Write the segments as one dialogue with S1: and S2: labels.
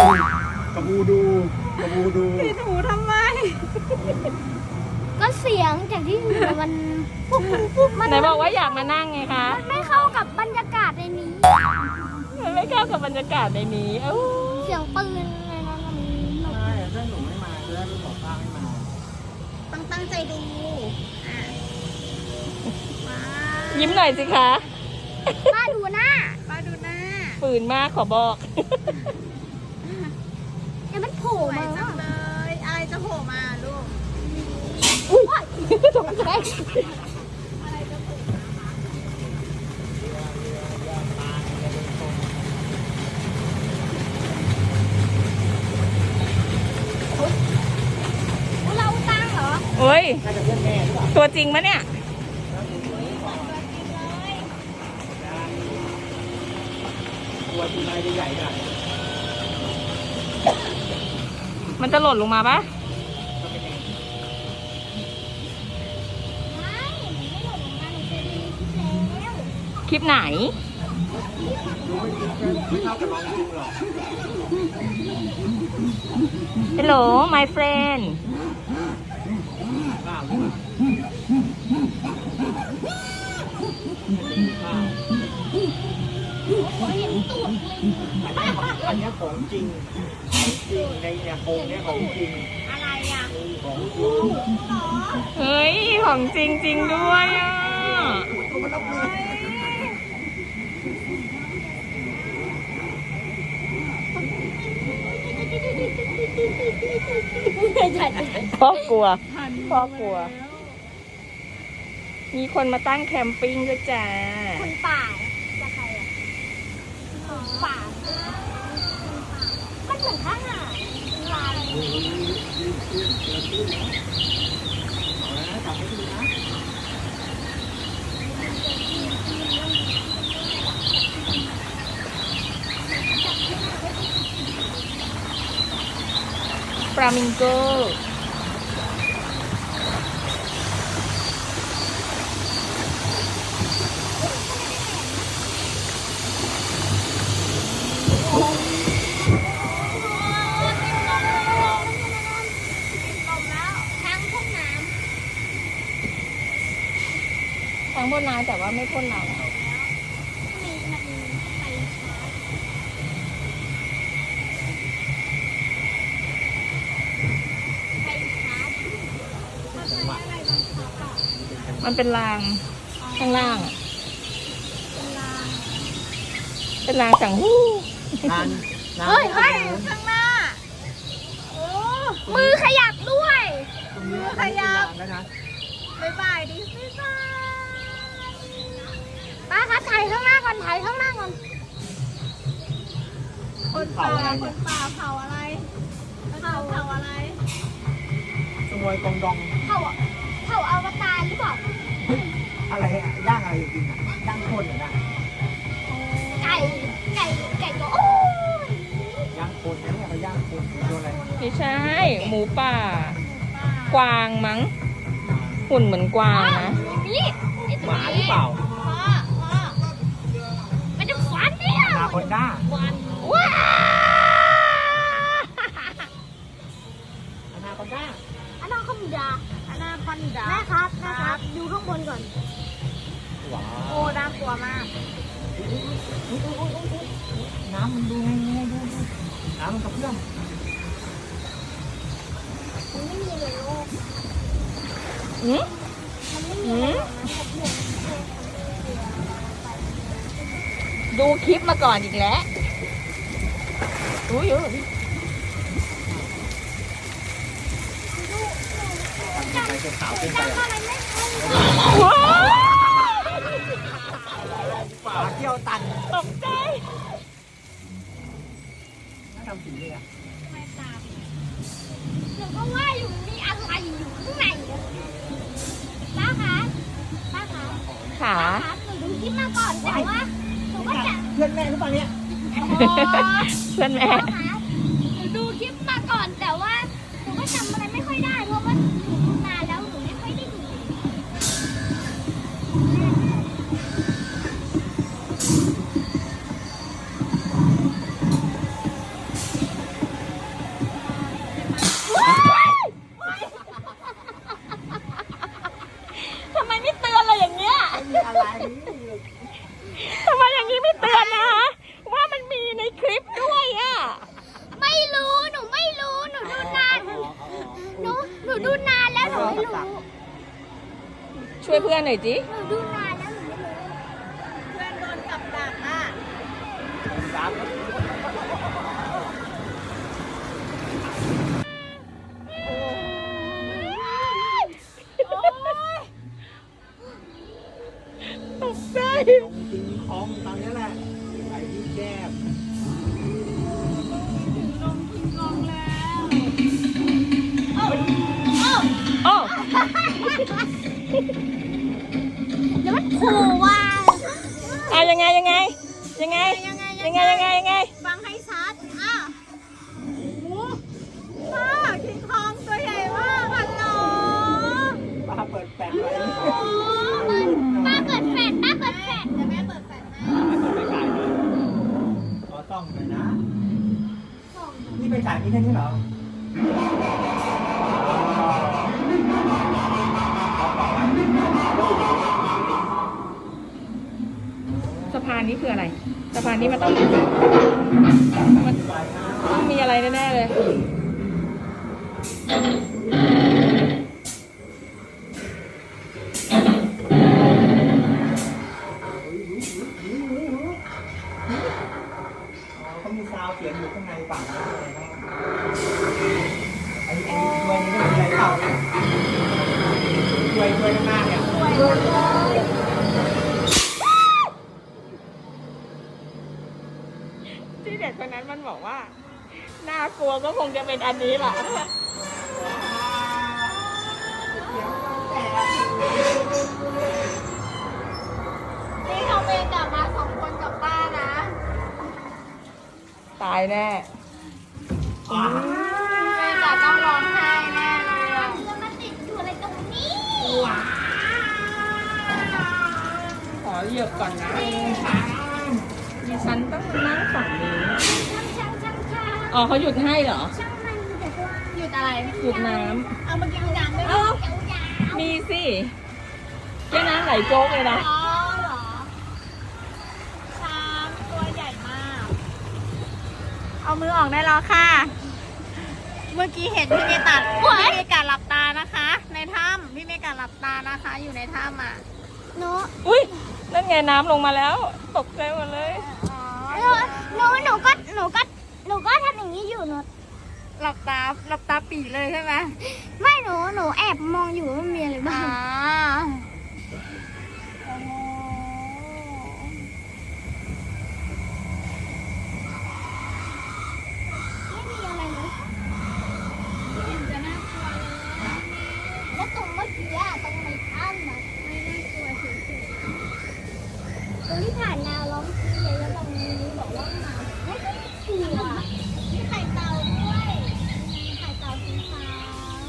S1: กระบูดู
S2: ปิดหูทำไม
S3: ก็เสียงจากที่หัวมันปุ๊บปุ๊บมัน
S2: ไหนบอกว่าอยากมานั่งไงคะ
S3: ไม่เข้ากับบรรยากาศในนี้
S2: มันไม่เข้ากับบรรยากาศในนี้เอ้า
S3: เสียงปืนอะไรนั่นมันหนุก
S1: ใช่ถ้าหนูไม่มาจะได้รู้บอกป้าไม่มา
S4: ต้องตั้งใจดูว้า
S2: ยิ้มหน่อยสิคะ
S3: ป้าดูหน้า
S4: ป้าดูหน้า
S2: ฝืนมากขอบอก
S3: เดี๋ยวมันโผล่
S4: สวย
S3: มา
S4: จังเลย อะไรจะโผล่มาลูก
S2: ตกใจ
S3: เราตั้งเหรอ
S2: โอ้ย
S1: น่าจะเพื่อนแม่หรือเปล่า
S2: ตัวจริงมะเนี่ย
S1: ตัวที่นายใหญ่ๆกัน
S2: มันจะหล่นลงมาปะ
S3: ไม่ไม่หล่นลงมาหนูเคยดูในคลิปแล้ว
S2: คลิปไหน
S1: ไม่เท่ากับน้องจริงหรอก
S2: Hello my friend
S1: ข้าวนี่ข้าว
S3: เห็นตูดเลย
S1: อันนี้ของจริงในเนี่ยโครงเนี่ยของจริง
S3: อะไรอ่ะ
S1: ของจริง
S2: เฮ้ย ของจริงจริงด้วยอ่ะ
S1: มันรับมือ
S2: พ่อกลัว พ่อกลัว มีคนมาตั้งแคมปิ้งด้วยจ้า
S3: คนป่าจะใครอ่ะคนป่ามันเหมือนทหารลาย
S1: จับให้ดูนะ
S2: ฟลามิงโก
S3: ทางพ่นน้
S2: ทั้งพ่นน้ำแต่ว่าไม่พ่นน้ำ
S3: ำมันไปช้าไปช้ามันใช้อะไรบังคับอ่ะ
S2: มันเป็นรางข้างล่างอะ
S3: เป็นราง
S2: เป็นรางสังหู้
S1: นานนาน
S3: เฮ้ยข้างหน้า
S4: โอ้
S3: มือขยับด้วย
S1: ตรงนี้ขยับแล้วนะ
S4: บ๊ายบายดิบ๊ายบาย
S3: ป้าคะถ่ายข้างหน้าก่อนถ่ายข้างหน้าก่อน
S4: คนป่าเผาอะไรเผาอะไร
S1: ขโมยกองดอง
S3: เขาอวตารหรือเปล่า
S1: อะไรอะย่างอะไรกินอ่ะย่างคนอ่ะนะ
S3: ไก่ก็โอ้ย
S1: ย่างคนนะเนี่ยเขาย่างคนตัวอะไร
S2: ไม่ใช่ หมูป่า กวางมั้ง หุ่นเหมือนกวางนะ
S3: นี่นี่
S1: หมาหรือเปล่า
S3: พ่อมันจะขวานเนี่ย
S1: นาคอนด้า
S3: ว้า
S1: นาคอนด้า
S3: อนาคอนดา
S4: อนาคอนดา
S3: แม่ครับดูข้างบนก่อน
S1: ว้า
S4: โอ้น่ากลัวมาก
S1: น้ำมันดูไงดูน้ำมันกระเพื่อม
S3: มันไม่มีเลยโลก
S2: อืม
S3: มันไม่มีเลยนะกับเพื่อน
S2: ดูคลิปมาก่อนอีกแล้วอุ้ย
S1: ไปจะขาวขึ้นไป
S3: จำอะไรไม่ได้
S2: ว้าว
S1: ฝาเที่ยวตัน
S2: ตกใจ
S1: น่าทำสีเลยอ่ะ
S3: ไม่ตามหนูก็ว่าอยู่มีอะไรอยู่ข้างในอะป้าคะป้าคะ
S2: ขา
S3: ครับหนูดูคลิปมาก่อนแต่ว่าหนูก็จะ
S1: เพื่อนแม่หรือเปล่าเนี่ย
S2: เพื่อนแม่
S3: ครับหนูดูคลิปมาก่อนแต่ว่าหนูก็จำอะไรไม่ค่อยได้เพราะว่าหนูดูนานแล้วหนูไม่ค่อยได้ดู
S2: อนนะว่ามันมีในคลิปด้วยอ่ะ
S3: ไม่รู้ หนูไม่รู้ หนูดูนาน หนูดูนานแล้วหนูไม่รู้
S2: ช่วยเพื่อนหน่อยจิ
S3: หนูดูนานแล้วหนูไม่รู้
S4: เพื่อนโดนกับดักอ่ะ
S1: สาม
S2: ตกใจ
S1: ลงกินของตอนนี้แหละใส่ที่แก้ม
S4: ลงกินลงแล้ว
S2: โอ้
S3: แล้วมันโผล่ว่า
S2: อะยังไง
S4: ยังไง ฟังให้ชัดอ่ะหมูป้าคิงคองตัวใหญ่มากฮัลโหล
S1: ป้าเปิดแปดไว้
S3: ป้าเปิดแฟลชป้าเปิดแฟลช
S4: เดี๋ยวแม่เปิดแฟลชให้
S1: ไม่เปิดไม่ขายเลยขอต้องหน่อยนะ นี่ไปขายนี่แค่นี้เหรอ
S2: สะพานนี้คืออะไรสะพานนี้มันต้องมีอะไรแน่ๆเลย
S1: เขามีซาวเสียงอยู่ข้างในฝั่งนั้นเลยนะไอ้ตัวนี้ก็มีอะไรเปล่าเนี่ยช่วยข้างหน้าเนี่ย
S2: ที่เด็กคนนั้นมันบอกว่าน่ากลัวก็คงจะเป็นอันนี้แหละ
S4: นี่เขาเมย์กลับมา2 คนกับป้านะ
S2: ตายแน่
S4: เมย์กลับต้องร้องไห้แน่เลยอะ
S3: แล้วมันติดอยู่อะไรตรงนี้
S2: ขอเหยียบก่อนนะดิฉันต้องนั่งฝั่งนี้
S3: ช่าง
S2: อ๋อเขาหยุดให้เหรอ
S3: ช่างมันแต่ตัว
S4: หยุดอะไร
S2: หยุดน้
S4: เอามากินน้ำได้ไหม
S2: ำเอ้า
S3: เขียวยาว
S2: มีสิแค่น้ำไหลโจ๊กเลยนะ
S4: อ๋อเหรอช้างตัวใหญ่มาก เอามือออกได้แล้วค่ะ เมื่อกี้เห็นพี่เมย์ตัดพี่เมย์กัดหลับตานะคะ ในถ้ำพี่เมย์กัดหลับตานะคะ อยู่ในถ้ำอ่ะ
S3: หนู
S2: อุ้ยนั่นไงน้ำลงมาแล้ว ตกใจหมดเลย
S4: อ๋อ
S3: หนูก็ทำอย่างนี้อยู่หนู
S4: หลับตาปีเลยใช่ไหม
S3: ไม่หนูแอบมองอยู่ว่ามันมีอะไรบ้า
S4: อ๋อง
S3: ไม่มีอะไรเลยแล้วตรงเมื่อกี้อะตรงในถ้ำอะไม่น่ากลัวเฉยๆตรงที่ผ่านนาร้องเสียแล้วตรงนี้บอกว่าหมาไม่กลัวมีไข่เต่าด้วยมีไข่เต่าสีขาว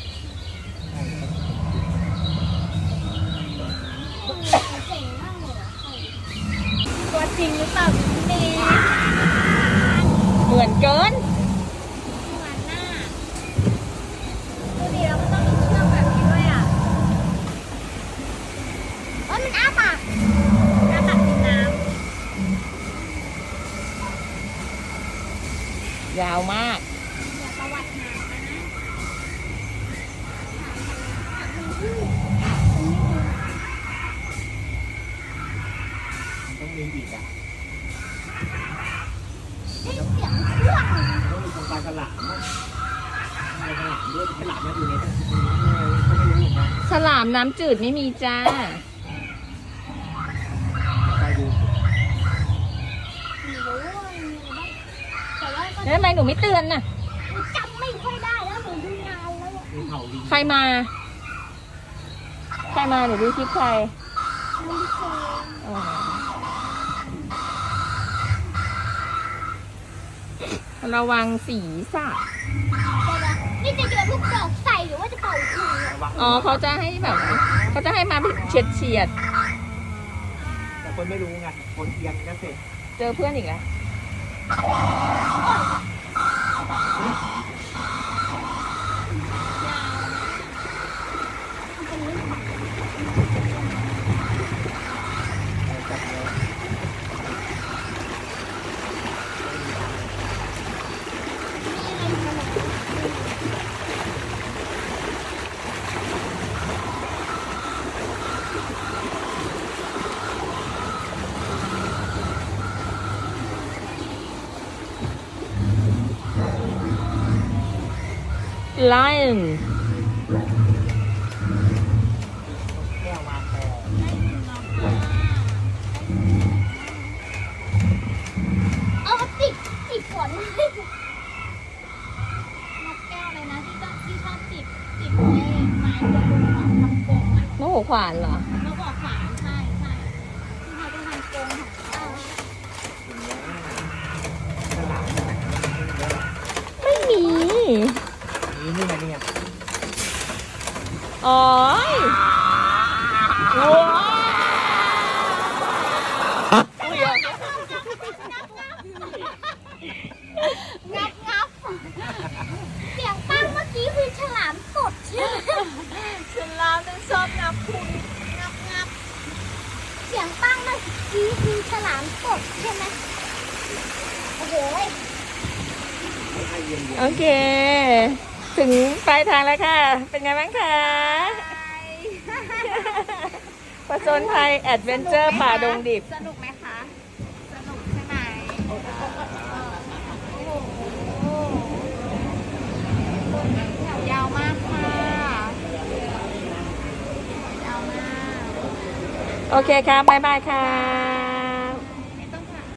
S3: เจ๋งมากเลยอะไข่
S4: ตัวจริงหรือเปล่าพี่เมย์
S2: เหมือนเกิน
S4: เหมือนหน้าดูดิแล้วมันต้องมีเชือกแบบนี้ด้วยอ่ะ
S3: เอ้ยมันอ้าปาก
S4: หน้าตักกินน้
S2: ยาวมาก
S3: อย่าประวัติหามานะ
S1: ต้องมีอีกอ่ะ
S3: ได้เสียงเครื่อง
S1: ต้องมีตรงปลาฉลามนะปลาฉลามด้วยฉลามเนี่ยอยู่ในนั้นก็ไม่รู้เหมือนกัน
S2: ฉลามน้ำจืดไม่มีจ้า
S1: ไปดู
S3: หนูรู้ว่ามันมีอะไรบ้างแต่ว่าก็
S2: แล้วทำไมหนูไม่เตือนน่ะ
S3: จำไม่ค่อยได้แล้วหนูดูนานแล้วอะ
S1: มีเผาลิง
S2: ใครมา หนูดูคลิปใคร
S3: มันเคย
S2: อ๋อระวังศีรษะ
S3: นี่จะโยนลูกดอกใส่หรือว่าจะเป่าถุง
S1: ระวัง
S2: อ๋อเขาจะให้แบบเขาจะให้มาเฉียด
S1: แต่คนไม่รู้ไงคนเอียงก็เสร็จ
S2: เจอเพื่อนอีกแล้ว
S1: จับเลย
S2: lion
S1: แก้วมาแพร
S3: เอาติดฝน
S4: นกแก้วเลยนะที่ชอบติดไม้ไม้กระดุมของทำกรงอ่ะ
S2: นกหัวขวานเหรอ
S4: นกออกฝานใช่ที่เขาจะทำกรงของเขา
S1: ฉลาม
S2: ไม่มี
S1: นี่ไงนี่ไง
S2: อ๋อว้าวอุ๊ย
S3: งับเสียงปั้งเมื่อกี้คือฉลามสดใช่ไหม
S4: ฉลามมันชอบงับคุณงับ
S3: เสียงปั้งเมื่อกี้คือฉลามสดใช่ไหมโอ้โห
S2: โอเค ถึงปลายทางแล้วค่ะ เป็นไงบ้างคะผจญภัยแอดเวนเจอร์ป่าดงดิบ
S4: สนุกไหมคะ สนุกใช่ไหมโอ้โหแถวยาวมากค่ะยาวมาก
S2: โอเคค่ะบ๊ายบายค่ะ